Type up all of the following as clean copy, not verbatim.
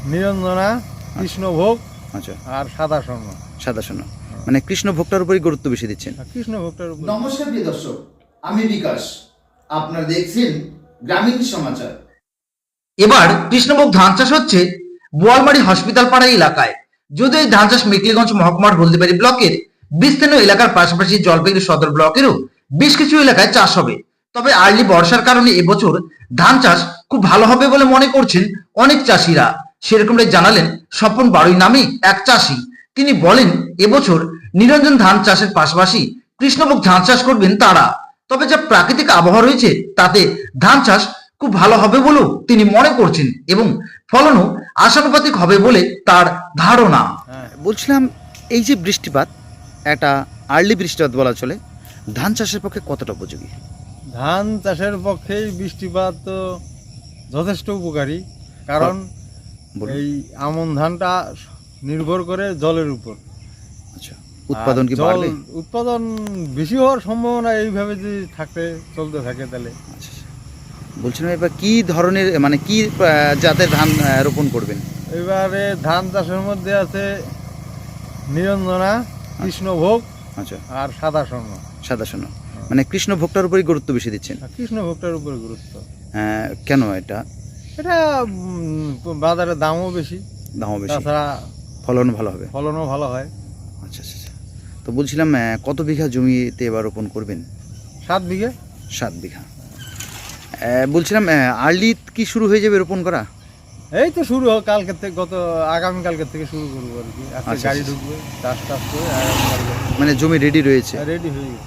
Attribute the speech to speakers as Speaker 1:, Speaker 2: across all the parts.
Speaker 1: নিরঞ্জনা, কৃষ্ণভোগ
Speaker 2: আচ্ছা,
Speaker 1: আর সাদা স্বর্ণ।
Speaker 2: সাদা সোনা, মানে কৃষ্ণ ভোগটার উপরই গুরুত্ব বেশি দিচ্ছেন।
Speaker 1: কৃষ্ণভোগটার উপর।
Speaker 3: নমস্কার প্রিয় দর্শক, আমি বিকাশ। আপনারা দেখছেন গ্রামীণ সমাচার।
Speaker 4: এবার কৃষ্ণভোগ ধান চাষ হচ্ছে বোয়ালমারি হসপিটাল পাড়া এলাকায়। যদিও এই ধান চাষ মেকলিগঞ্জ মহকুমার হলদিবাড়ি ব্লকের বিস্তীর্ণ এলাকার পাশাপাশি জলপাইগুড়ি সদর ব্লকেরও বেশ কিছু এলাকায় চাষ হবে। তবে আর্লি বর্ষার কারণে এবছর ধান চাষ খুব ভালো হবে বলে মনে করছেন অনেক চাষিরা। সেরকমটাই জানালেন স্বপন বাড়ুই নামে এক চাষি। তিনি বলেন এবছর নিরঞ্জন ধান চাষের পাশাপাশি কৃষ্ণভোগ ধান চাষ করবেন তারা। তবে যা প্রাকৃতিক আবহাওয়া রয়েছে তাতে ধান চাষ খুব ভালো হবে বলেও তিনি মনে করছেন এবং ফলনও আশানুপাতিক হবে বলে তার ধারণা।
Speaker 2: বলছিলাম, এই যে বৃষ্টিপাত, একটা আর্লি বৃষ্টিপাত বলা চলে, ধান চাষের পক্ষে কতটা উপযোগী?
Speaker 1: ধান চাষের পক্ষে বৃষ্টিপাত তো যথেষ্ট উপকারী, কারণ
Speaker 2: বলুন।
Speaker 1: এই আমন ধানটা নির্ভর করে জলের উপর।
Speaker 2: আচ্ছা, উৎপাদন কি
Speaker 1: আর জল
Speaker 2: বাড়বে?
Speaker 1: উৎপাদন বেশি হওয়ার সম্ভাবনা এইভাবে যদি চলতে থাকে তাহলে।
Speaker 2: আচ্ছা, বলছিলাম এবার কি ধরনের, মানে কি জাতের ধান রোপণ করবেন?
Speaker 1: এবারে ধান চাষের মধ্যে আছে নিরঞ্জনা, কৃষ্ণভোগ
Speaker 2: আচ্ছা,
Speaker 1: আর সাদা স্বর্ণ।
Speaker 2: সাদা সোনা, মানে কৃষ্ণ ভোগটার উপরই গুরুত্ব বেশি দিচ্ছেন।
Speaker 1: কৃষ্ণভোগটার উপর গুরুত্ব।
Speaker 2: কেন এটা?
Speaker 1: এটা বাজারে দামও বেশি,
Speaker 2: দামও বেশি,
Speaker 1: তাছাড়া
Speaker 2: ফলন ভালো হবে।
Speaker 1: ফলনও ভালো হয়।
Speaker 2: আচ্ছা আচ্ছা আচ্ছা। তো বলছিলাম, কত বিঘা জমিতে এবার রোপণ করবেন?
Speaker 1: 7 বিঘে।
Speaker 2: 7 বিঘা। বলছিলাম, আর্লি কি শুরু হয়ে যাবে রোপণ করা?
Speaker 1: এই তো শুরু হোক কালকের থেকে, আগামীকালকের থেকে শুরু করবো আর কি। আজকে
Speaker 2: আচ্ছা,
Speaker 1: গাড়ি
Speaker 2: আচ্ছা।
Speaker 1: ঢুকবে, চাষ করে আগামীকালকে
Speaker 2: মানে জমি রেডি রয়েছে?
Speaker 1: রেডি হয়ে গেছে।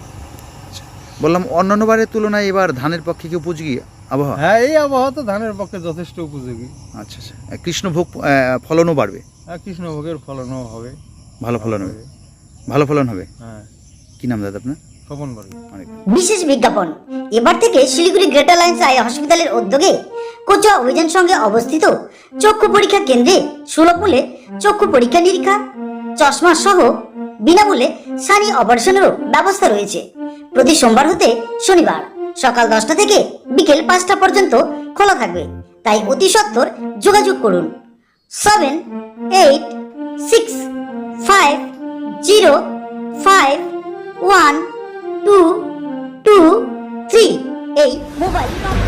Speaker 2: বললাম, অন্যান্য বারের তুলনায় এবার ধানের পক্ষে কি উপযোগী আবহাওয়া?
Speaker 1: হ্যাঁ, এই আবহাওয়া তো ধানের পক্ষে যথেষ্ট উপযোগী।
Speaker 2: আচ্ছা আচ্ছা। কৃষ্ণভোগ ফলনও বাড়বে?
Speaker 1: আর কৃষ্ণভোগের ফলনও হবে,
Speaker 2: ভালো ফলন হবে, ভালো ফলন হবে।
Speaker 1: হ্যাঁ।
Speaker 2: কি নাম দাদা আপনার?
Speaker 1: স্বপন বাড়ি।
Speaker 2: অনেক
Speaker 5: বিশেষ বিজ্ঞাপন। এবার থেকে শিলিগুড়ি গ্রেটার লাইন্স আই হসপিটালের উদ্যোগে কোচুয়া অভিযান সঙ্গে অবস্থিত চক্ষু পরীক্ষা কেন্দ্রে সুলভ মূল্যে চক্ষু পরীক্ষা নিরীক্ষা, চশমা সহ বিনামূল্যে সানি অপারেশনেরও ব্যবস্থা রয়েছে। প্রতি সোমবার হতে শনিবার সকাল 10টা থেকে বিকেল 5টা পর্যন্ত খোলা থাকবে। তাই অতি সত্বর যোগাযোগ করুন 7865051223 এই মোবাইল নম্বর।